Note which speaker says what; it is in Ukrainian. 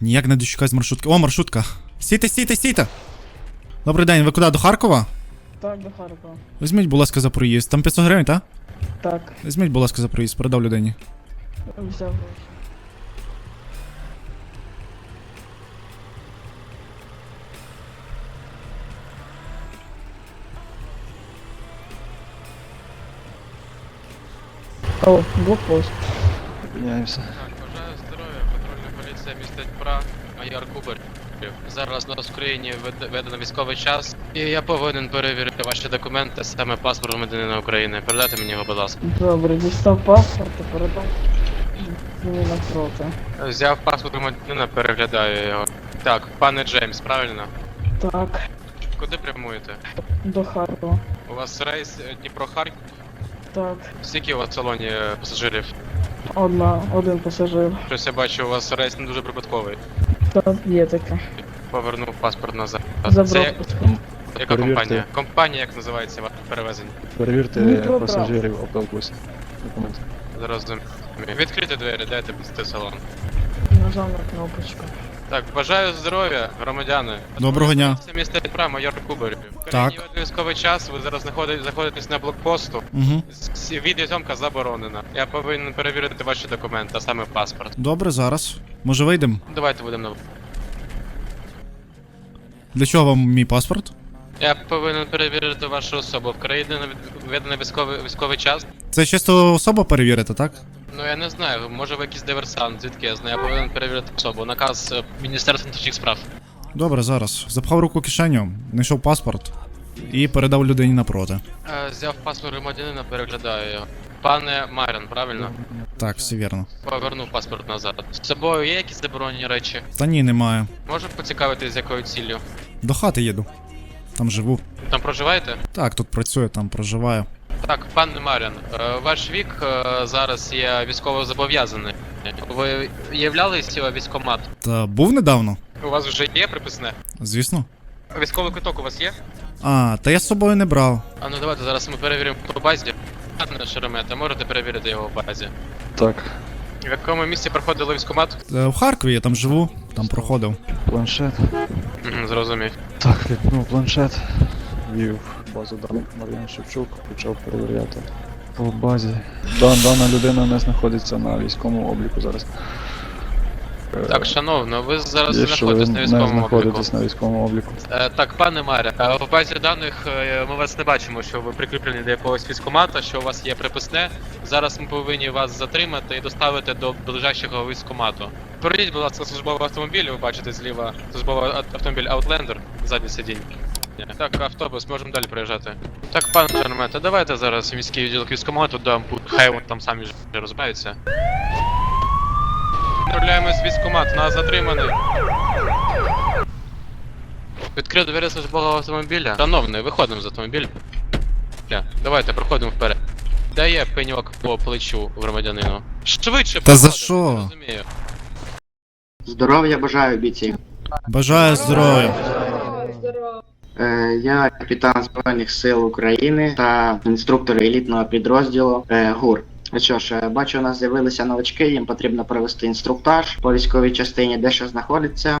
Speaker 1: Ніяк не дочекаюсь маршрутки. О, маршрутка. Стійте, стійте, стійте! Добрий день, ви куди, до Харкова?
Speaker 2: Так, до Харкова.
Speaker 1: Візьміть, будь ласка, за проїзд. Там 500 гривень, так?
Speaker 2: Так,
Speaker 1: Візьміть, будь ласка, за проїзд, передав людині.
Speaker 2: взяв гроші. О, блокпост.
Speaker 3: Міняємося.
Speaker 4: Так, бажаю здоров'я, патрульна поліція міста Дніпра, майор Кубарів. Зараз у нас в Україні введено військовий час, і я повинен перевірити ваші документи, саме паспорт громадянина України. Передайте мені його, будь ласка.
Speaker 2: Добре, дістав паспорт і передав мені навпроти.
Speaker 4: Взяв паспорт громадянина, переглядаю його. Так, пане Джеймс, правильно?
Speaker 2: Так,
Speaker 4: Куди прямуєте?
Speaker 2: до Харкова.
Speaker 4: У вас рейс Дніпро-Харків?
Speaker 2: Так,
Speaker 4: Скільки у вас в салоні пасажирів?
Speaker 2: один пасажир.
Speaker 4: Щось я бачу, у вас рейс не дуже прибутковий.
Speaker 2: Так, є таке.
Speaker 4: Повернув паспорт назад.
Speaker 2: За
Speaker 4: Це
Speaker 2: пропуском.
Speaker 4: яка
Speaker 3: Перевірте.
Speaker 4: компанія? Компанія, як називається ваше перевезення?
Speaker 3: Перевірте
Speaker 2: Дніпро
Speaker 3: пасажирів автобусу. Документи.
Speaker 4: Зрозумів. Відкрити двері, дайте пусти салон.
Speaker 2: Нажав на кнопочку.
Speaker 4: Так, бажаю здоров'я, громадяни.
Speaker 1: Доброго дня.
Speaker 4: Це місто Дніпра, майор Кубарів.
Speaker 1: Так.
Speaker 4: Військовий час, ви зараз знаходитесь на блокпосту.
Speaker 1: Угу.
Speaker 4: Відеозйомка заборонена. Я повинен перевірити ваші документи, а саме паспорт.
Speaker 1: Добре, зараз. Може вийдемо?
Speaker 4: Давайте будемо на...
Speaker 1: Для чого вам мій паспорт?
Speaker 4: Я повинен перевірити вашу особу. В країні введено військовий час.
Speaker 1: Це чисто особа перевірити, так?
Speaker 4: Ну я не знаю, може ви якийсь диверсант, звідки я знаю, я повинен перевірити особу. Наказ Міністерства внутрішніх справ.
Speaker 1: Добре, зараз. Запхав руку в кишеню, знайшов паспорт і передав людині напроти.
Speaker 4: Взяв паспорт громадянина, переглядаю його. Пане Марін, правильно?
Speaker 1: Так, все вірно.
Speaker 4: Повернув паспорт назад. З собою є якісь заборонені речі?
Speaker 1: Та ні, немає.
Speaker 4: Можу поцікавитись, з якою ціллю?
Speaker 1: До хати їду. Там живу.
Speaker 4: Там проживаєте?
Speaker 1: Так, тут працюю, там проживаю.
Speaker 4: Так, пане Марін, ваш вік зараз є військово зобов'язаний. Ви являлись військкомат?
Speaker 1: Та був недавно?
Speaker 4: У вас вже є приписне?
Speaker 1: Звісно.
Speaker 4: Військовий квиток у вас є?
Speaker 1: А, та я з собою не брав.
Speaker 4: А ну давайте зараз ми перевіримо по базі. Пане Шеремета, можете перевірити його в базі.
Speaker 3: Так,
Speaker 4: В якому місці проходили військкомат?
Speaker 1: В Харкові я там живу, там проходив.
Speaker 3: планшет.
Speaker 4: Зрозумів.
Speaker 3: Так, відкнув планшет. Ввів базу даних Мар'ян Шевчук, почав перевіряти. По базі. Дана людина не знаходиться на військовому обліку зараз.
Speaker 4: Так, шановно, ви зараз
Speaker 3: Є, що ви
Speaker 4: знаходитесь на
Speaker 3: не
Speaker 4: військовому обліку.
Speaker 3: знаходитесь на військовому обліку.
Speaker 4: Так, пане Маря, в базі даних ми вас не бачимо, що ви прикріплені до якогось військкомата, що у вас є приписне. Зараз ми повинні вас затримати і доставити до ближайшого військкомату. Перейдіть, будь ласка, службовий автомобіль, ви бачите зліва службовий автомобіль Outlander, заднє сидіння. Так, автобус, можемо далі проїжджати. Так, пане Шеремета, давайте зараз в міський відділок військкомату, хай вони там самі розбаються. Відправляємось в військкомат, нас затриманий. Відкрив двері службового автомобіля. Шановний, виходимо з автомобіля. Давайте, проходимо вперед. Дає пеньок по плечу громадянину. Швидше
Speaker 1: Та за
Speaker 4: проходимо,
Speaker 1: що?
Speaker 4: не розумію.
Speaker 5: Здоров'я бажаю, бійці.
Speaker 1: Бажаю здоров'я.
Speaker 5: Я капітан Збройних сил України та інструктор елітного підрозділу ГУР. Що ж, бачу, у нас з'явилися новачки, їм потрібно провести інструктаж по військовій частині, де що знаходиться.